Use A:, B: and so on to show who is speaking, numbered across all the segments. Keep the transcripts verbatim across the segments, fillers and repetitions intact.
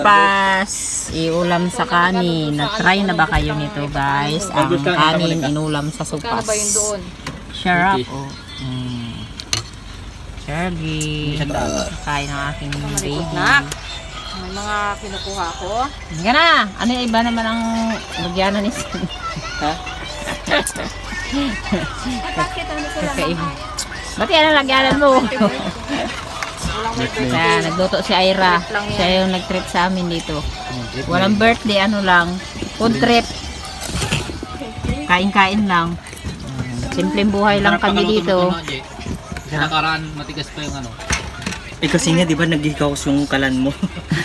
A: Pas, iulam sa kanin. Na-try na ba kayo nito guys? Ang kanin inulam sa supas. Sarap. Oh. Mm. Sergi. Kain ng aking baby.
B: May mga kinukuha ko.
A: Hindi na. Ano yung iba naman ang lagyanan ni Sin? Ha?
B: Bakit ano sila
A: Kakaiba. Ba't yan ang lagyanan mo? Kaya nagluto si Ira. Siya yung nag-trip sa amin dito. Walang birthday, ano lang. Food trip. Kain-kain lang. Simpleng buhay lang kami dito.
C: Sa nakaraan, matigas pa yung ano.
D: Eh kasi nga, di ba, nag-hikaos yung kalan mo?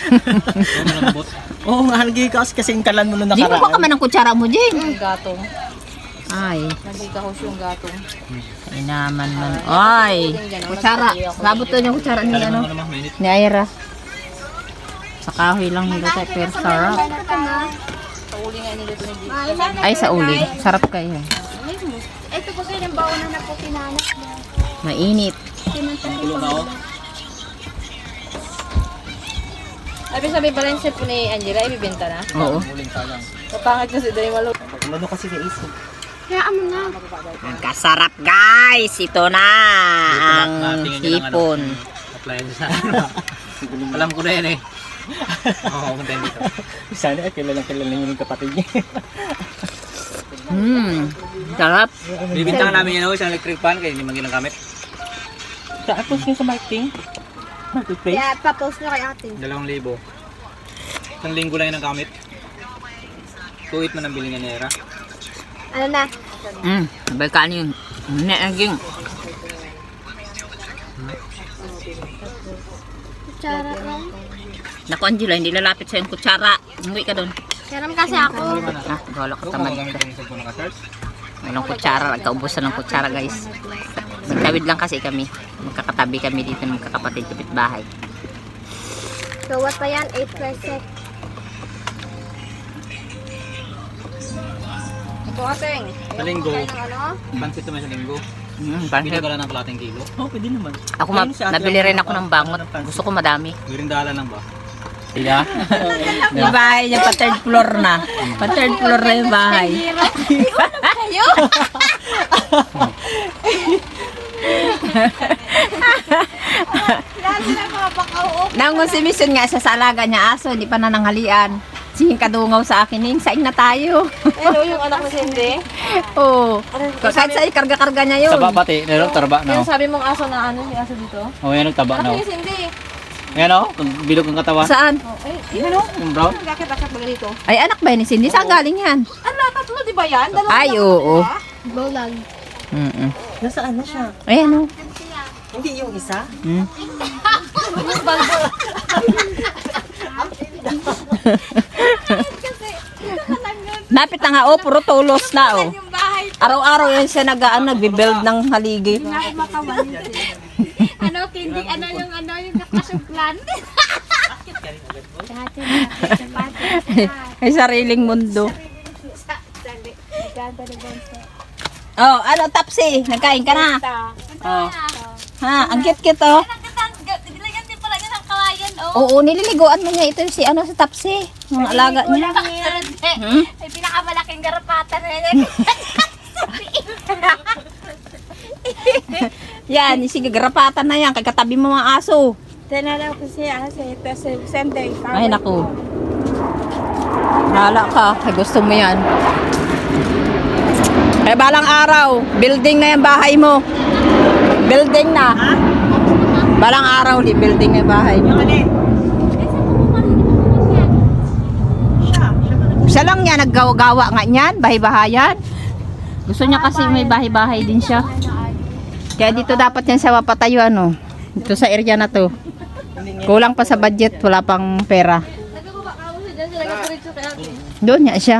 D: Oo nga, nag-hikaos kasi yung kalan mo nung
A: Di
D: nakaraan.
A: mo ba kami ng kutsara mo, Jane?
B: Yung gatong.
A: Ay.
B: Nagkikahos yung gatong.
A: Ay naman man. Ay. Kutsara. Labot to yung kutsara ni ano? Ni Ira. Sa kahoy lang nila tayo, pero sarap.
B: Sa uli nga nila ito ni
A: Ay, sa uling. Sarap kayo.
E: Ito po kayo ng baonan na po pinanas mo.
A: Mainit.
C: Kulong na ako.
B: Sabi sabi pala yung po ni Angela, ibibenta na.
A: Oo.
C: Muling sayang.
B: Kapangit kasi dali malo.
D: Ano kasi sa isip?
E: Kaya mo na.
A: Kasarap guys. Ito na ang hipon.
C: Appliance na. Alam ko na yan eh. Oo, punta yun dito.
D: Sana ay kilalang kilala niyo yung kapatid niya.
A: Hmm. Sarap.
C: Bibintang namin yan ako, isang electric fan, kaya hindi man ginagamit.
D: Tapos niyo sa marketing? Marketplace?
E: Kaya pa-post nyo kay ate.
C: Dalawang libo. Isang linggo lang yung nagamit. Tuwit man ang bilingan ni Era.
E: Ano na?
A: Hmm. Sabay kanin. Naging.
E: Kutsara lang.
A: Naku Angela, hindi lalapit sa yung kutsara. Umuwi ka doon.
E: Karam kasi ako.
A: Ah, wala ka
C: Ito,
A: tamad.
C: magagamit ako ng cellphone naka-charge.
A: Walang kutsara. Nagkaubusan ng kutsara guys. Magtawid lang kasi kami. Magkakatabi kami dito ng magkakapatid kapit bahay.
E: So what pa yan? eight percent.
B: Ito ateng.
C: Sa linggo,
B: Kain ng ano?
C: pansit naman sa linggo.
A: Hmm, pansit.
C: Pinagala ng kalating kilo.
D: Oo, pwede naman.
A: Ako ma- nabili rin ako ng bangot. Gusto ko madami.
C: Mirindala lang ba?
A: Iya. Yung bahay niya pa third floor na. Pa third floor na yung bahay.
E: Lagi na mga pakauo.
A: Nangon si Mission nga sa salaga niya aso, hindi pa nananghalian. Singing kadungaw sa akin, Ning, saing na tayo.
B: Hello, yung anak mo si Hindi.
A: Oo. Kahit sa karga-karga niya yun.
C: Taba pati, nero, tarba
B: Yung
C: na.
B: sabi mong aso na ano, yung aso dito.
C: O, yan ang taba na.
B: Ano yung Hindi?
C: Yan o, bilog ang katawan.
A: Saan?
B: Oh, ay, yun ano?
C: Yung brown.
B: Bakit-bakit ba dito?
A: Ay, anak ba yun ni Cindy? Saan galing yan?
B: Ano, tatlo, di ba yan? Dalawa
A: Ay,
B: lang,
A: oo.
B: di ba?
E: Bawlag.
A: Mm-mm.
D: Nasaan na siya?
A: Ay, ano?
D: Hindi yung isa?
A: Hmm? Napit na nga, oh, puro tulos na, oh.
E: Yung bahay.
A: Araw-araw yan siya nag-aan, nagbe-build ng haligi.
E: Ako makawan. Ano, hindi, ano yung, ano yung kakasuplan. Dati na, dati
A: Ay, sariling mundo.
E: Sali. Ganda ni Bonso.
A: Oh, ano, Tapsi? Nagkain ka na? Oh. Ha, ang cute-cute, oh.
E: Nilagyan din pala niya ng kawayan, oh.
A: Oo, nililiguan mo niya ito si ano sa Tapsi. Ang alaga niya. Hmm?
E: May pinakamalaking garapatan na yan.
A: Yan, sige, garapatan na yan. Kagkatabi mo mga aso.
E: Tinalaw ko siya kasi ito sa Sunday.
A: Ay, naku. Hala ka. Ay, gusto mo yan. Ay, balang araw. Building na yung bahay mo. Building na. Balang araw, di building na yung bahay mo. Siya lang niya, naggawa-gawa nga niyan. Bahay-bahayan. Gusto niya kasi may bahay-bahay din siya. Kaya dito dapat yan sa mapatayo, ano. Dito sa area na to. Kulang pa sa budget, wala pang pera.
B: Nagkababa ka mo siya dyan, sila nagkaritso kay ate.
A: Doon niya siya.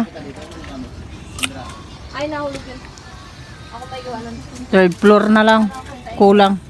B: Ay, nahulog yun. Ako tayo gawa nun.
A: Third floor na lang. Kulang.